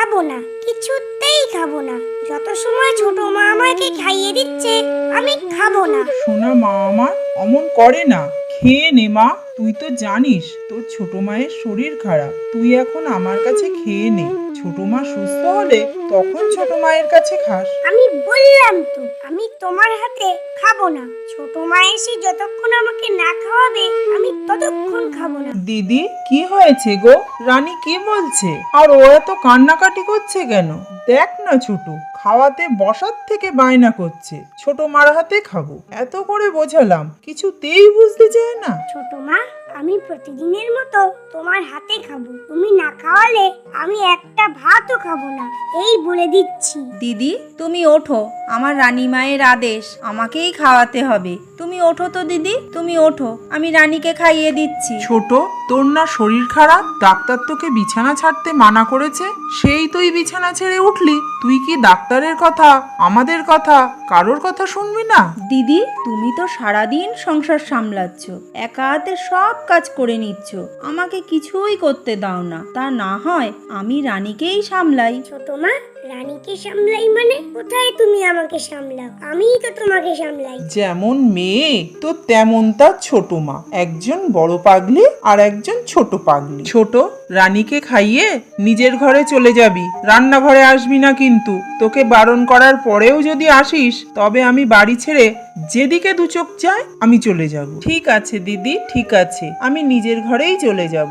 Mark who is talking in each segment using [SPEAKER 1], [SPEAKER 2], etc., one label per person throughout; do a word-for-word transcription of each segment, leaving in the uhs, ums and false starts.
[SPEAKER 1] খাবো না, কিছুতেই খাবো না। যত সময় ছোট মা আমাকে খাইয়ে দিচ্ছে আমি খাবো না।
[SPEAKER 2] সোনা মা আমার অমন করে না, খেয়ে নে মা। তুই তো জানিস তোর ছোট মায়ের শরীর খারাপ, তুই এখন আমার কাছে খেয়ে নে। ছোট মা সুস্থ হলে তখন ছোট মায়ের কাছে খাস।
[SPEAKER 1] আমি বললাম তো আমি তোমার হাতে খাবো না। ছোট মা এসে যতক্ষণ আমাকে না খাওয়াবে আমি ততক্ষণ খাবো না।
[SPEAKER 2] দিদি কি হয়েছে গো? রানী কি বলছে? আর ও এত কান্নাকাটি করছে কেন? দেখ না ছোট, খাওয়াতে বসার থেকে বায়না করছে ছোট মার হাতে খাবো। এত করে বোঝালাম, কিছুতেই বুঝতে চায় না।
[SPEAKER 1] ছোট মা, আমি প্রতিদিনের মতো তোমার হাতে খাবো। তুমি না খাওয়ালে আমি একটা ভাতও খাবো না, এই বলে দিচ্ছি।
[SPEAKER 3] দিদি তুমি ওঠো, আমার রানী মায়ের আদেশ, আমাকেই খাওয়াতে হবে। তুমি ওঠো তো দিদি, তুমি ওঠো, আমি রানীকে খাইয়ে দিচ্ছি।
[SPEAKER 2] ছোট, তোর না শরীর খারাপ? ডাক্তার তোকে বিছানা ছাড়তে মানা করেছে, সেই তুই বিছানা ছেড়ে উঠলি। তুই কি ডাক্তারের কথা, আমাদের কথা, কারোর কথা শুনবি না?
[SPEAKER 3] দিদি তুমি তো সারাদিন সংসার সামলাচ্ছ, একা হাতে সব কাজ করে নিচ্ছ, আমাকে কিছুই করতে দাও না। তা না হয় আমি রানীকেই সামলাই।
[SPEAKER 1] ছোট মা, রানীকে সামলাই মানে? কোথায় তুমি আমাকে সামলাও? আমিই তো তোমাকে সামলাই।
[SPEAKER 2] যেমন মেয়ে তো তেমন তার ছোট মা, একজন বড় পাগলি আর একজন ছোট পাগলি। ছোট, রানীকে খাইয়ে নিজের ঘরে চলে যাবি, রান্নাঘরে আসবি না কিন্তু। তোকে বারণ করার পরেও যদি আসিস তবে আমি বাড়ি ছেড়ে যেদিকে দু চোখ যায় আমি চলে যাব। ঠিক আছে দিদি, ঠিক আছে, আমি নিজের ঘরেই চলে যাব।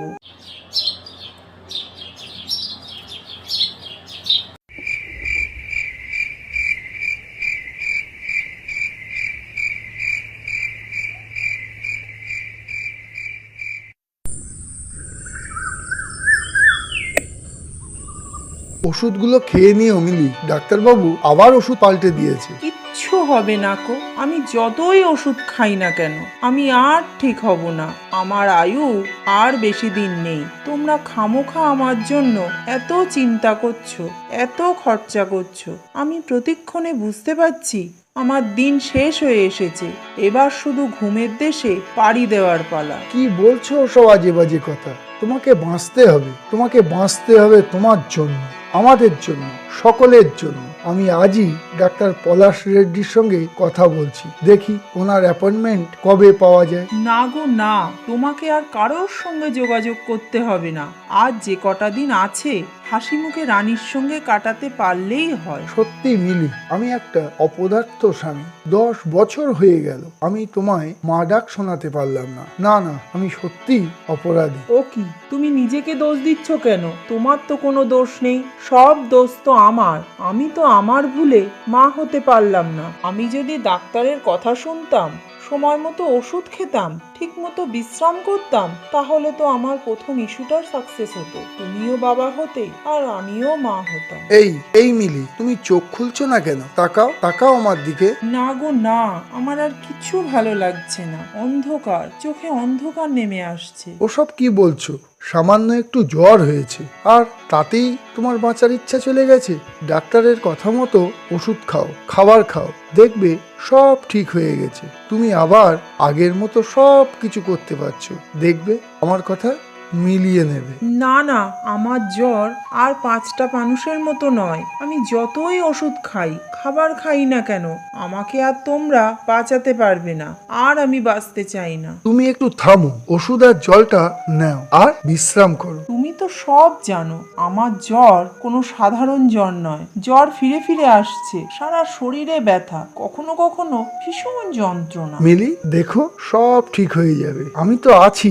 [SPEAKER 4] ওষুধগুলো খেয়ে নিয়ে মিলি, ডাক্তারবাবু আবার ওষুধ পাল্টে দিয়েছে।
[SPEAKER 2] কিচ্ছু হবে না কো, আমি যতই ওষুধ খাই না কেন আমি আর ঠিক হব না। আমার আয়ু আর বেশি দিন নেই। তোমরা খামোখা আমার জন্য এত চিন্তা করছো, এত খরচা করছো। আমি প্রতিক্ষণে বুঝতে পারছি আমার দিন শেষ হয়ে এসেছে। এবার শুধু ঘুমের দেশে পাড়ি দেওয়ার পালা।
[SPEAKER 4] কি বলছো সব আজে বাজে কথা? তোমাকে বাঁচতে হবে, তোমাকে বাঁচতে হবে তোমার জন্য, আমাদের জন্য, সকলের জন্য। আমি আজই ডাক্তার পলাশ রেড্ডির সঙ্গে কথা বলছি, দেখি ওনার অ্যাপয়েন্টমেন্ট কবে পাওয়া যায়।
[SPEAKER 2] না গো না, তোমাকে আর কারোর সঙ্গে যোগাযোগ করতে হবে না। আজ যে কটা দিন আছে হাসি মুখে রানীর সঙ্গে কাটাতে পারলেই হয়।
[SPEAKER 4] সত্যি মিলি, আমি একটা অপদার্থ স্বামী। দশ বছর হয়ে গেল আমি তোমায় মা ডাক শোনাতে পারলাম না। না না, আমি সত্যি অপরাধী।
[SPEAKER 2] ও কি, তুমি নিজেকে দোষ দিচ্ছ কেন? তোমার তো কোনো দোষ নেই, সব দোষ তো আমার। আমি তো আমার ভুলে মা হতে পারলাম না। আমি যদি ডাক্তারের কথা শুনতাম, সময় মতো ওষুধ খেতাম, ঠিক মতো বিশ্রাম করতাম, তাহলে তো আমার প্রথম ইস্যুটার সাকসেস হতো। তুমিও বাবা হতে আর আমিও মা হতাম।
[SPEAKER 4] এই এই মিলি, তুমি চোখ খুলছো না কেন? তাকাও তাকাও আমার দিকে।
[SPEAKER 2] না গো না, আমার আর কিছু ভালো লাগছে না। অন্ধকার, চোখে অন্ধকার নেমে আসছে।
[SPEAKER 4] ওসব কি বলছো? সামান্য একটু জ্বর হয়েছে আর তাতেই তোমার বাঁচার ইচ্ছা চলে গেছে? ডাক্তারের কথা মতো ওষুধ খাও, খাবার খাও, দেখবে সব ঠিক হয়ে গেছে। তুমি আবার আগের মতো সব কিছু করতে পারছো, দেখবে আমার কথা মিলিয়ে নেবে।
[SPEAKER 2] না না, আমার জ্বর আর পাঁচটা মানুষের মতো নয়। আমি যতই ওষুধ খাই, খাবার খাই না কেন, আমাকে আর তোমরা বাঁচাতে পারবে না। আর আমি বাঁচতে চাই না।
[SPEAKER 4] তুমি একটু থামো, ওষুধ আর জলটা নাও আর বিশ্রাম করো।
[SPEAKER 2] তুমি তো সব জানো, আমার জ্বর কোনো সাধারণ জ্বর নয়। জ্বর ফিরে ফিরে আসছে, সারা শরীরে ব্যথা, কখনো কখনো ভীষণ যন্ত্রণা।
[SPEAKER 4] মিলি দেখো, সব ঠিক হয়ে যাবে, আমি তো আছি।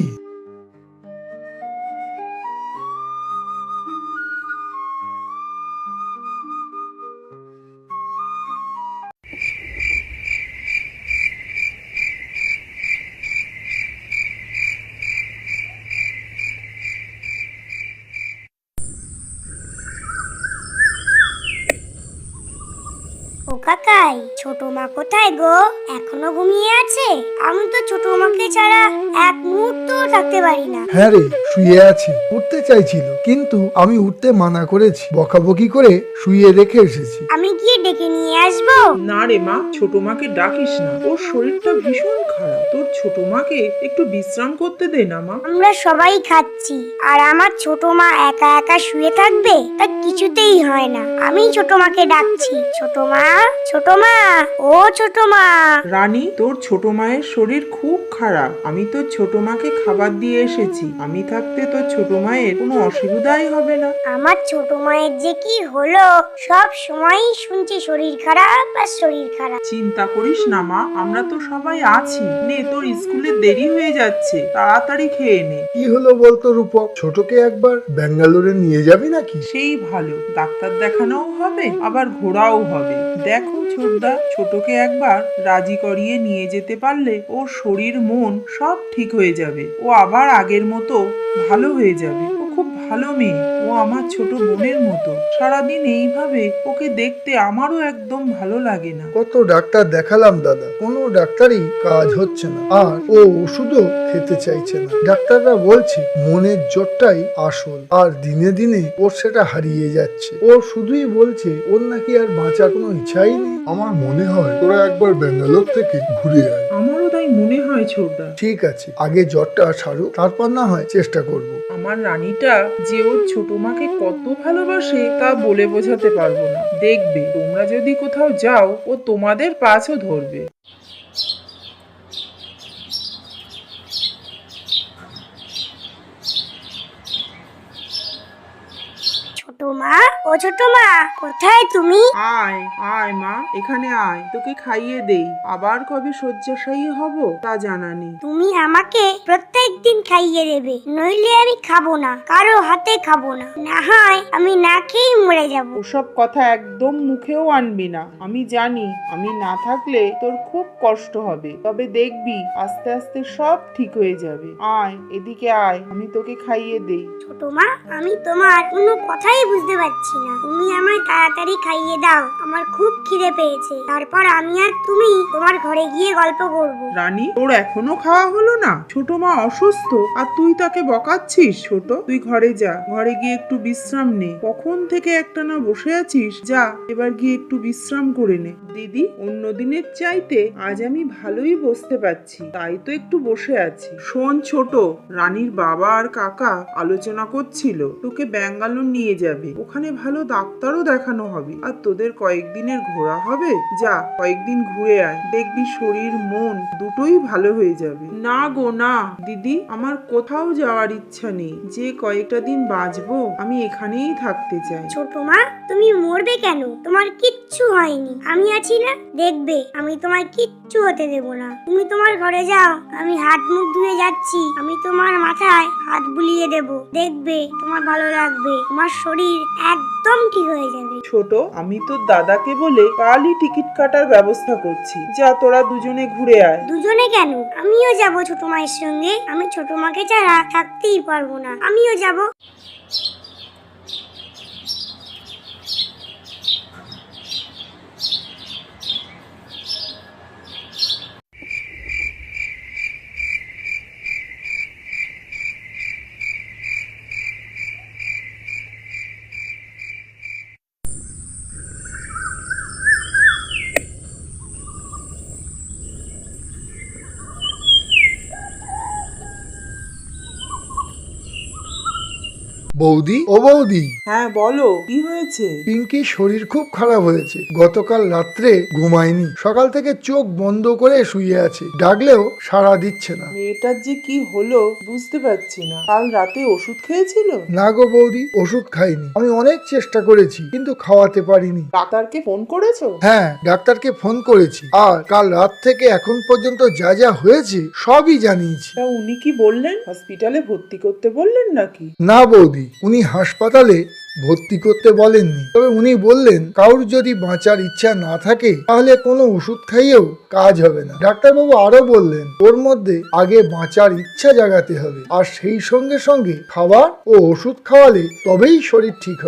[SPEAKER 1] ও কাকা, যাই। ছোট মা কোথায় গো? এখনো ঘুমিয়ে আছে? আমি তো ছোট মাকে ছাড়া এক মুহূর্ত থাকতে পারি না।
[SPEAKER 4] হ্যাঁ রে, শুয়ে আছি। উঠতে চাইছিল, কিন্তু আমি উঠতে মানা করেছি। বকাবকি করে শুয়ে রেখে এসেছি।
[SPEAKER 1] আমি গিয়ে ডেকে নিয়ে আসবো?
[SPEAKER 2] না রে মা, ছোট মাকে ডাকিস না, ওর শরীরটা ভীষণ খারাপ। তোর ছোট মাকে একটু বিশ্রাম করতে দে না মা।
[SPEAKER 1] আমরা সবাই খাচ্ছি, আর আমার ছোট মা একা একা শুয়ে থাকবে? তা কিছুতেই হয় না। আমি ছোট মাকে ডাকছি। ছোট মা, ছোট মা, ও ছোট মা।
[SPEAKER 2] রানী, তোর ছোট মায়ের শরীর খুব খারাপ। আমি তোর ছোট মাকে খাবার দিয়ে এসেছি। আমি থাকতে তোর ছোট মায়ের কোনো অসুবিধাই হবে না।
[SPEAKER 1] আমার ছোট মায়ের যে কি হলো, সব সময়ই শুনছি শরীর খারাপ আর শরীর খারাপ।
[SPEAKER 2] চিন্তা করিস না মা, আমরা তো সবাই আছি। নে, তোর স্কুলে দেরি হয়ে যাচ্ছে, তাড়াতাড়ি খেয়ে নে।
[SPEAKER 4] কি হলো বলতো রূপক? ছোটকে একবার ব্যাঙ্গালোরে নিয়ে যাবি নাকি?
[SPEAKER 2] সেই ভালো, ডাক্তার দেখানোও হবে, আবার ঘোরাও হবে। দেখো ছোটদা, ছোটকে একবার রাজি করিয়ে নিয়ে যেতে পারলে ওর শরীর মন সব ঠিক হয়ে যাবে। ও আবার আগের মতো ভালো হয়ে যাবে। ও খুব ভালো মেয়ে, ও আমার ছোট বোনের মতো। সারাদিন এইভাবে ওকে দেখতে আমারও একদম ভালো লাগে না।
[SPEAKER 4] কত ডাক্তার দেখালাম দাদা, কোনো ডাক্তারই কাজ হচ্ছে না। আর ও ওষুধও খেতে চাইছে না। ডাক্তাররা বলছে মনের জোরটাই আসল, আর দিনে দিনে ওর সেটা হারিয়ে যাচ্ছে। ও শুধুই বলছে ওর নাকি আর বাঁচার কোনো ইচ্ছাই নেই। আমার মনে হয় তোরা একবার ব্যাঙ্গালোর থেকে ঘুরে আয়।
[SPEAKER 2] আমারও তাই মনে হয় ছোটদা।
[SPEAKER 4] ঠিক আছে, আগে জ্বরটা সারুক, তারপর না হয় চেষ্টা করব।
[SPEAKER 2] আমার রানীটা যে ওর ছোট মাকে কত ভালোবাসে তা বলে বোঝাতে পারবো না। দেখবে, তোমরা যদি কোথাও যাও ও তোমাদের পাছও ধরবে।
[SPEAKER 1] ছোট মা, ও ছোট মা, কোথায় তুমি?
[SPEAKER 2] আয় আয় মা, এখানে আয়, তোকে খাইয়ে দেই। আবার কবে শয্যাশায়ী হব তা জানা নেই।
[SPEAKER 1] তুমি আমাকে প্রত্যেক দিন খাইয়ে দেবে, নইলে আমি খাবো না, কারো হাতে খাবো না। না হয় আমি না খেয়েই মরে যাব।
[SPEAKER 2] ওসব কথা একদম মুখেও আনবি না। আমি জানি আমি না থাকলে তোর খুব কষ্ট হবে, তবে দেখবি আস্তে আস্তে সব ঠিক হয়ে যাবে। আয় এদিকে আয়, আমি তোকে খাইয়ে দেই।
[SPEAKER 1] ছোট মা, আমি তোমার কোনো কথাই বুঝতে পারছি না। তুমি আমায় তাড়াতাড়ি খাইয়ে দাও, আমার খুব খিদে পেয়েছে। তারপর আমি আর তুমি তোমার ঘরে গিয়ে গল্প করব।
[SPEAKER 2] রানী, তোর এখনো খাওয়া হলো না? ছোট মা অসুস্থ আর তুই তাকে বকাচ্ছিস? ছোট, তুই ঘরে যা, ঘরে গিয়ে একটু বিশ্রাম নে। কখন থেকে একটানা বসে আছিস? যা, এবার গিয়ে একটু বিশ্রাম করে নে। দিদি, অন্য দিনের চাইতে আজ আমি ভালোই বসতে পারছি, তাই তো একটু বসে আছি। শোন ছোট, রানীর বাবা আর কাকা আলোচনা করছিল তোকে ব্যাঙ্গালোর নিয়ে যাবে। ওখানে ভালো ডাক্তারও দেখানো হবে, আর তোদের কয়েকদিনের ঘোরা হবে। যা, কয়েকদিন ঘুরে আয়, দেখবি শরীর মন দুটোই ভালো হয়ে যাবে। না গো না দিদি, আমার কোথাও যাওয়ার ইচ্ছা নেই। যে কয়েকটা দিন বাঁচবো আমি এখানেই থাকতে চাই।
[SPEAKER 1] ছোট মা, তুমি মরবে কেন? তোমার কিচ্ছু হয়নি, আমি আছি না। দেখবে, আমি তোমার কিচ্ছু হতে দেব না। তুমি তোমার ঘরে যাও, আমি হাত মুখ ধুয়ে যাচ্ছি। আমি তোমার মাথায় হাত বুলিয়ে দেব, দেখবে তোমার ভালো লাগবে। তোমার শরীর একদম ঠিক হয়ে যাবে।
[SPEAKER 2] ছোট, আমি তোর দাদাকে বলে কালই টিকিট কাটার ব্যবস্থা করছি। যা, তোরা দুজনে ঘুরে আয়।
[SPEAKER 1] দুজনে কেন? আমিও যাব ছোট মায়ের সঙ্গে। আমি ছোট মাকে ছাড়া থাকতেই পারবো না, আমিও যাব।
[SPEAKER 4] বৌদি, ও বৌদি,
[SPEAKER 2] হ্যাঁ বলো, কি হয়েছে?
[SPEAKER 4] পিঙ্কির শরীর খুব খারাপ হয়েছে। গতকাল রাত্রে ঘুমায়নি, সকাল থেকে চোখ বন্ধ করে শুয়ে আছে। ডাকলেও সাড়া দিচ্ছে না।
[SPEAKER 2] মেয়েটার যে কি হলো বুঝতে পারছি না। কাল রাতে ওষুধ খেয়েছিল?
[SPEAKER 4] না গো বৌদি, ওষুধ খাইনি। আমি অনেক চেষ্টা করেছি, কিন্তু খাওয়াতে পারিনি।
[SPEAKER 2] ডাক্তারকে ফোন করেছো?
[SPEAKER 4] হ্যাঁ, ডাক্তারকে ফোন করেছি, আর কাল রাত থেকে এখন পর্যন্ত যা যা হয়েছে সবই জানিয়েছি।
[SPEAKER 2] তা উনি কি বললেন? হসপিটালে ভর্তি করতে বললেন নাকি?
[SPEAKER 4] না বৌদি, উনি হাসপাতালে ভর্তি করতে বলেননি, তবে উনি বললেন কারোর যদি বাঁচার ইচ্ছা না থাকে তাহলে কোনো ওষুধ খাইয়েও কাজ হবে না। ডাক্তারবাবু আরো বললেন ওর মধ্যে আগে বাঁচার ইচ্ছা জাগাতে হবে, আর সেই সঙ্গে সঙ্গে খাবার ও ওষুধ খাওয়ালে তবেই শরীর ঠিক হবে।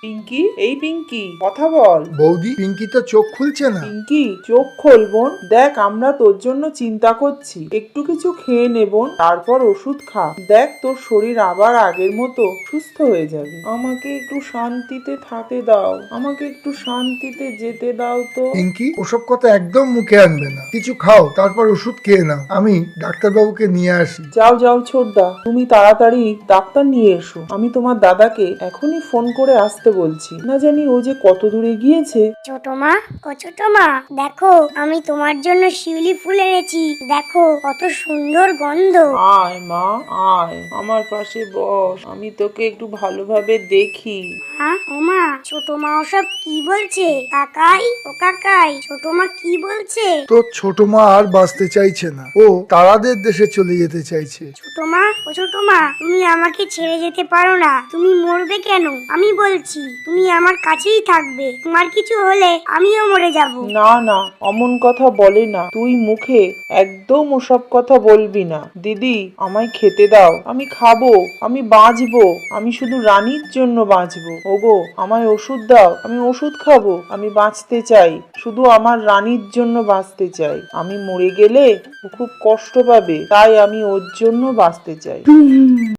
[SPEAKER 2] পিঙ্কি, এই পিঙ্কি, কথা বল।
[SPEAKER 4] বৌদি, পিঙ্কি তো চোখ খুলছে না।
[SPEAKER 2] পিঙ্কি, চোখ খোল বোন। দেখ, আমরা তোর জন্য চিন্তা করছি। একটু কিছু খেয়ে নে বোন, তারপর ওষুধ খা। দেখ, তোর শরীর আবার আগের মতো সুস্থ হয়ে যাবে। আমাকে একটু শান্তিতে থাকতে দাও, আমাকে একটু শান্তিতে যেতে দাও তো।
[SPEAKER 4] পিঙ্কি, ওসব কথা একদম মুখে আনবে না। কিছু খাও, তারপর ওষুধ খেয়ে নাও। আমি ডাক্তারবাবুকে নিয়ে আসি।
[SPEAKER 2] যাও যাও ছোটদা, তুমি তাড়াতাড়ি ডাক্তার নিয়ে এসো। আমি তোমার দাদাকে এখনই ফোন করে আসতে বলছি। না জানি ও যে কত দূরে গিয়েছে।
[SPEAKER 1] ছোট মা, ও ছোট মা, দেখো আমি তোমার জন্য শিউলি ফুল এনেছি। দেখো কত সুন্দর গন্ধ।
[SPEAKER 2] আয় মা, আয় আমার পাশে বস, আমি তোকে একটু ভালোভাবে দেখি।
[SPEAKER 1] হ্যাঁ ও মা, ছোট মা ওসব কি বলছে? কাকাই, ও কাকাই, ছোট মা কি বলছে?
[SPEAKER 4] তো ছোট মা আর বাঁচতে চাইছে না, ও তারাদের দেশে চলে যেতে চাইছে।
[SPEAKER 1] ছোট মা, ও ছোট মা, তুমি আমাকে ছেড়ে যেতে পারো না। তুমি মরবে কেন? আমি বলছি তুমি আমার কাছেই থাকবে। তোমার কিছু হলে আমিও মরে যাব।
[SPEAKER 2] না না, অমন কথা বলে না। তুই মুখে একদম ওসব কথা বলবি না। দিদি, আমায় খেতে দাও, আমি খাবো, আমি বাঁচবো, আমি শুধু রানীর জন্য বাঁচবো। ওগো, আমায় ওষুধ দাও, আমি ওষুধ খাবো, আমি বাঁচতে চাই, শুধু আমার রানীর জন্য বাঁচতে চাই। আমি মরে গেলে ও খুব কষ্ট পাবে, তাই আমি ওর জন্য বাঁচতে চাই।